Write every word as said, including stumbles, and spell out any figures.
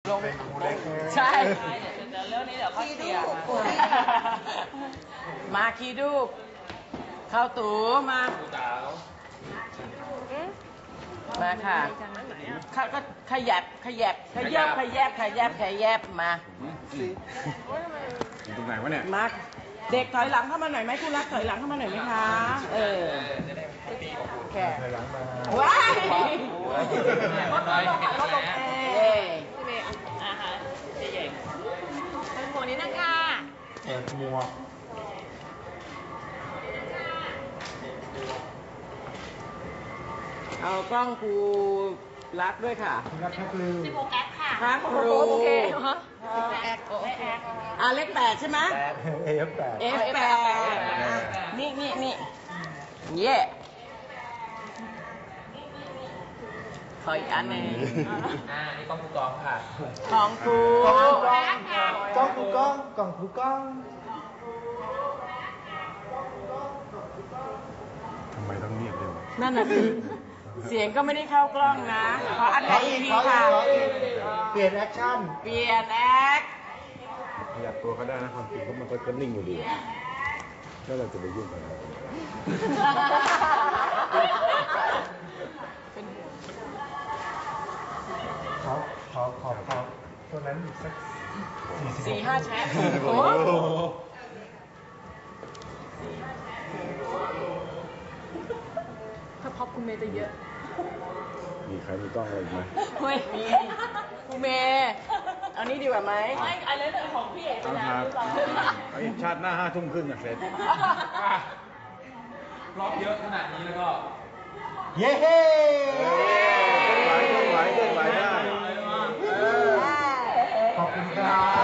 ลงใช่เดี๋ยวเรื่องนี้เดี๋ยวเขาเสียมาคีดูเข้าตู่มามาค่ะเขาก็ขยับขยับขยับขยับขยับขยับมาตรงไหนวะเนี่ยมาเด็กถอยหลังเข้ามาหน่อยไหมคุณรักถอยหลังเข้ามาหน่อยไหมคะเออแค่ถอยหลังมาว้ายรถลงค่ะรถลงเอ้ยพี่เมย์อ่าฮะใหญ่ๆเป็นหมวกนี้นะคะเปิดหมวกเอากล้องครูรักด้วยค่ะรักแท็กลืมสิบหกแอคค่ะครับครูโอเคฮะสิบหกแอคโอเคอ่าเลขแปดใช่ไหมเอฟแปดเอฟแปดนี่นี่นี่เย่ขออีกอันหนึ่งอ่านี่กล้องครูกล้องค่ะกล้องครูกล้องกล้องครูกล้องกล้องครูกล้องทำไมต้องเงียบเลยวะนั่นน่ะสิเสียงก็ไม่ได้เข้ากล้องนะขออันไหนอีกทีค่ะเปลี่ยนแอคชั่นเปลี่ยนแอคขยับตัวก็ได้นะความจริงก็มันก็นิ่งอยู่ดีแล้วเราจะไปยุ่งกันขอขอขอขอตัวนั้นอีกสักสี่ห้าแชทโอ้ถ้าพ็อปคุณเมย์จะเยอะมีใครมีกล้องอะไรอีกไหมเฮ้ยมีคุณเมย์เอานี้ดีกว่าไหมไม่อะไรเรื่องของพี่เอกนะไอ้ชาติหน้าห้าทุ่มครึ่งอ่ะเสร็จรอบเยอะขนาดนี้แล้วก็เย้เฮ้เคลื่อนไหวเคลื่อนไหวเคลื่อนไหวได้ขอบคุณครับ